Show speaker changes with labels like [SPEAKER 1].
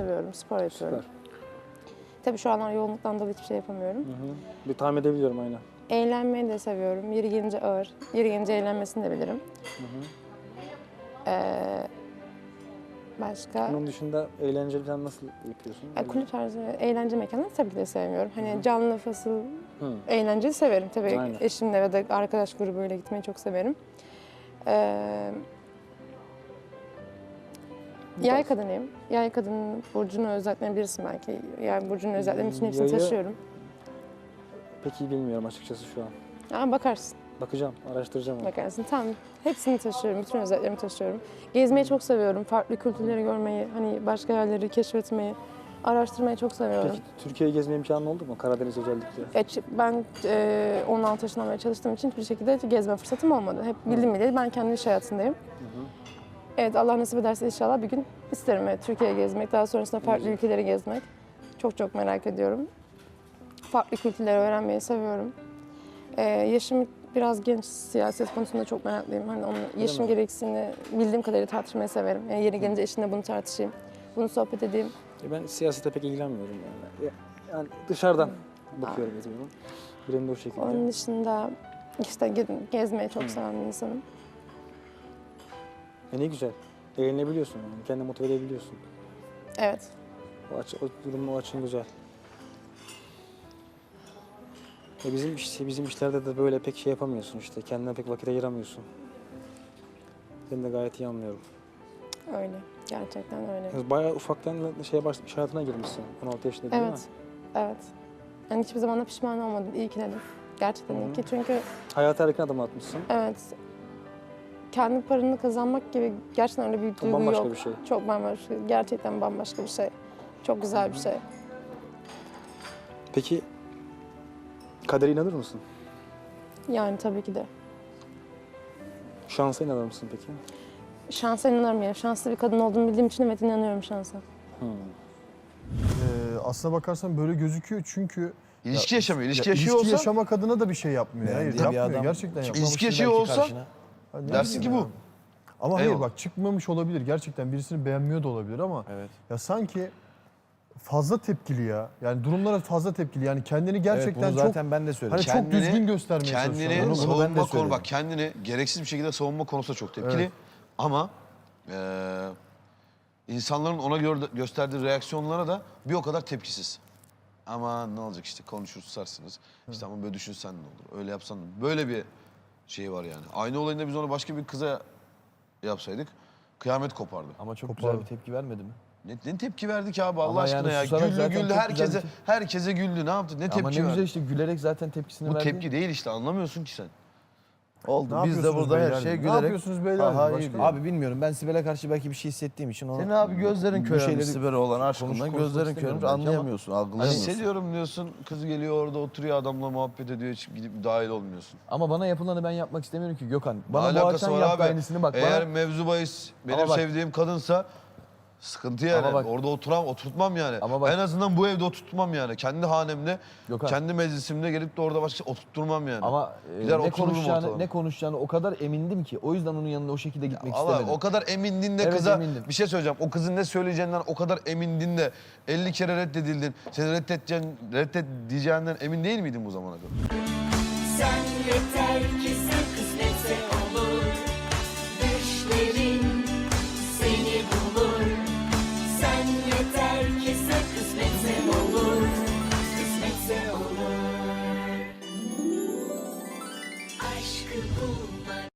[SPEAKER 1] seviyorum, spor yapıyorum.
[SPEAKER 2] Süper.
[SPEAKER 1] Tabii şu anlar yoğunluktan dolayı hiçbir şey yapamıyorum.
[SPEAKER 2] Bir tahmin edebiliyorum aynen.
[SPEAKER 1] Eğlenmeyi de seviyorum. Yeri gelince ağır, yeri gelince eğlenmesini de bilirim. Başka?
[SPEAKER 2] Bunun dışında eğlenceli falan nasıl yapıyorsun?
[SPEAKER 1] Kulüp tarzı eğlence mekanları tabii ki de sevmiyorum. Hani canlı, fasıl, eğlenceyi severim. Tabii
[SPEAKER 2] Aynen.
[SPEAKER 1] eşimle ya da arkadaş grubuyla gitmeyi çok severim. Yay kadınıyım. Yay kadının burcunu özetleyebilirsin belki. Yay burcunun özetlemek için hepsini
[SPEAKER 2] Yayı-
[SPEAKER 1] taşıyorum.
[SPEAKER 2] Pek iyi bilmiyorum açıkçası şu an.
[SPEAKER 1] Ama bakarsın,
[SPEAKER 2] Bakacağım, araştıracağım onu.
[SPEAKER 1] bakarsın. Tamam, hepsini taşıyorum, bütün özetlerimi taşıyorum. Gezmeyi çok seviyorum, farklı kültürleri görmeyi, hani başka yerleri keşfetmeyi, araştırmayı çok seviyorum.
[SPEAKER 2] Peki Türkiye'yi gezme imkanı oldu mu? Karadeniz özellikle.
[SPEAKER 1] Ben 16 yaşından beri çalıştığım için hiçbir şekilde gezme fırsatım olmadı. Hep bildim bileli ben kendi iş hayatındayım. Evet, Allah nasip ederse inşallah bir gün isterim Türkiye'yi gezmek, daha sonrasında farklı ülkeleri gezmek. Çok çok merak ediyorum. Farklı kültürleri öğrenmeyi seviyorum. Yaşım biraz genç, siyaset konusunda çok meraklıyım. Hani onun yaşım gereksinini bildiğim kadarıyla tartışmayı severim. Yani yeri gelince eşimle bunu tartışayım, bunu sohbet edeyim.
[SPEAKER 2] Ben siyasete pek ilgilenmiyorum yani. Yani dışarıdan bakıyorum, ediyorum. Benim de o şekilde.
[SPEAKER 1] Onun dışında işte gezmeyi çok seven bir insanım.
[SPEAKER 2] Ne güzel. Eğlenebiliyorsun yani. Kendini motive edebiliyorsun.
[SPEAKER 1] Evet.
[SPEAKER 2] O durum o açın güzel. Bizim işlerde de böyle pek şey yapamıyorsun işte. Kendine pek vakit ayıramıyorsun. Ben de gayet iyi anlıyorum.
[SPEAKER 1] Öyle. Gerçekten öyle.
[SPEAKER 2] Bayağı ufaktan iş hayatına girmişsin. 16 yaşında değil mi?
[SPEAKER 1] Evet. Evet. Yani hiçbir zaman da pişman olmadım. İyi ki dedim. Gerçekten iyi ki. Çünkü
[SPEAKER 2] Hayata erken adım atmışsın.
[SPEAKER 1] evet. Kendi paranı kazanmak gibi gerçekten öyle bir duygu
[SPEAKER 2] Bambaşka
[SPEAKER 1] yok.
[SPEAKER 2] bir şey.
[SPEAKER 1] Çok bambaşka. Gerçekten bambaşka bir şey. Çok güzel bir şey.
[SPEAKER 2] Peki kadere inanır mısın?
[SPEAKER 1] Yani tabii ki de.
[SPEAKER 2] Şansa inanır mısın peki?
[SPEAKER 1] Şansa inanırım ya. Şanslı bir kadın olduğumu bildiğim için evet inanıyorum şansa.
[SPEAKER 3] Aslına bakarsan böyle gözüküyor çünkü
[SPEAKER 4] İlişki yaşamıyor. İlişki
[SPEAKER 3] ya,
[SPEAKER 4] yaşıyor
[SPEAKER 3] ilişki
[SPEAKER 4] olsa
[SPEAKER 3] yaşamak adına da bir şey yapmıyor. Hayır,
[SPEAKER 5] Beğendiği bir
[SPEAKER 3] yapmıyor.
[SPEAKER 5] adam
[SPEAKER 3] Gerçekten yapmıyor.
[SPEAKER 4] İlişki yaşıyor
[SPEAKER 5] belki
[SPEAKER 4] olsa
[SPEAKER 5] karşına.
[SPEAKER 3] Hani
[SPEAKER 4] dersin ki bu.
[SPEAKER 3] Ama hayır
[SPEAKER 4] Eyvallah.
[SPEAKER 3] bak çıkmamış olabilir. Gerçekten birisini beğenmiyor da olabilir ama
[SPEAKER 5] Evet.
[SPEAKER 3] ya sanki fazla tepkili ya. Yani durumlara fazla tepkili. Yani kendini gerçekten
[SPEAKER 5] evet, bunu zaten ben de söyledim.
[SPEAKER 3] hani çok düzgün göstermeye çalışıyor.
[SPEAKER 4] Kendini
[SPEAKER 3] Bunu ben de
[SPEAKER 4] savunma konu
[SPEAKER 3] söyledim.
[SPEAKER 4] bak kendini gereksiz bir şekilde savunma konusunda çok tepkili.
[SPEAKER 3] Evet.
[SPEAKER 4] Ama insanların ona gösterdiği reaksiyonlara da bir o kadar tepkisiz. Ama ne olacak işte konuşur susarsınız. İşte ama böyle düşünsen ne olur, öyle yapsan ne olur. Böyle bir şey var yani. Aynı olayında biz onu başka bir kıza yapsaydık kıyamet kopardı.
[SPEAKER 5] Ama çok
[SPEAKER 3] Kopardı.
[SPEAKER 5] güzel bir tepki vermedi mi?
[SPEAKER 4] Ne tepki verdi ki abi Allah
[SPEAKER 5] Ama
[SPEAKER 4] aşkına
[SPEAKER 5] yani
[SPEAKER 4] ya.
[SPEAKER 5] susarak
[SPEAKER 4] Güldü
[SPEAKER 5] zaten
[SPEAKER 4] güldü
[SPEAKER 5] çok güzel bir
[SPEAKER 4] herkese güldü. Ne yaptı? Ne
[SPEAKER 5] Ama
[SPEAKER 4] tepki
[SPEAKER 5] ne
[SPEAKER 4] verdi?
[SPEAKER 5] güzel işte gülerek zaten tepkisini
[SPEAKER 4] Bu
[SPEAKER 5] verdi.
[SPEAKER 4] tepki değil işte anlamıyorsun ki sen.
[SPEAKER 5] Oldu.
[SPEAKER 3] Ne
[SPEAKER 5] Biz de
[SPEAKER 3] yapıyorsunuz
[SPEAKER 5] burada her
[SPEAKER 3] beyler?
[SPEAKER 5] şeye
[SPEAKER 3] Ne
[SPEAKER 5] gülerek...
[SPEAKER 3] yapıyorsunuz beyler?
[SPEAKER 5] Aha,
[SPEAKER 3] Başka-
[SPEAKER 5] iyi. Abi bilmiyorum ben Sibel'e karşı belki bir şey hissettiğim için o...
[SPEAKER 6] Senin abi gözlerin
[SPEAKER 5] bir
[SPEAKER 6] körelmiş
[SPEAKER 5] şeyleri
[SPEAKER 6] Sibel'e olan aşkından
[SPEAKER 5] konuşmak
[SPEAKER 6] gözlerin
[SPEAKER 5] istemiyorum
[SPEAKER 6] körelmiş
[SPEAKER 5] belki ama-
[SPEAKER 6] anlayamıyorsun, algılayamıyorsun.
[SPEAKER 4] Hissediyorum diyorsun. Kız geliyor orada oturuyor adamla muhabbet ediyor. Hiç gidip dahil olmuyorsun.
[SPEAKER 5] Ama bana yapılanı ben yapmak istemiyorum ki Gökhan.
[SPEAKER 4] Ne
[SPEAKER 5] Bana bu
[SPEAKER 4] alakası
[SPEAKER 5] akşam
[SPEAKER 4] var
[SPEAKER 5] yaptı
[SPEAKER 4] abi?
[SPEAKER 5] aynısını bak.
[SPEAKER 4] Eğer
[SPEAKER 5] Bana...
[SPEAKER 4] mevzu bahis benim
[SPEAKER 5] Ama bak-
[SPEAKER 4] sevdiğim kadınsa sıkıntı yani.
[SPEAKER 5] Ama bak-
[SPEAKER 4] Orada oturtmam yani.
[SPEAKER 5] Ama bak-
[SPEAKER 4] En azından bu evde oturtmam yani. Kendi hanemde,
[SPEAKER 5] Gökhan.
[SPEAKER 4] kendi meclisimde gelip de orada başka oturtturmam yani.
[SPEAKER 5] Ama
[SPEAKER 4] Gider
[SPEAKER 5] ne
[SPEAKER 4] otururum
[SPEAKER 5] konuşacağını,
[SPEAKER 4] ortalama.
[SPEAKER 5] ne konuşacağını o kadar emindim ki. O yüzden onun yanına o şekilde gitmek
[SPEAKER 4] Allah
[SPEAKER 5] istemedim.
[SPEAKER 4] o kadar emindin de
[SPEAKER 5] Evet,
[SPEAKER 4] kıza
[SPEAKER 5] emindim.
[SPEAKER 4] bir şey söyleyeceğim. O kızın ne söyleyeceğinden o kadar emindin de 50 kere reddedildin. Seni reddet diyeceğinden emin değil miydin bu zamana kadar?
[SPEAKER 7] Sen yeter ki sen kısmetse olur. Düşlerin seni bulur. Sen yeter ki sen kısmetse olur. Kısmetse olur. Aşkı bulmak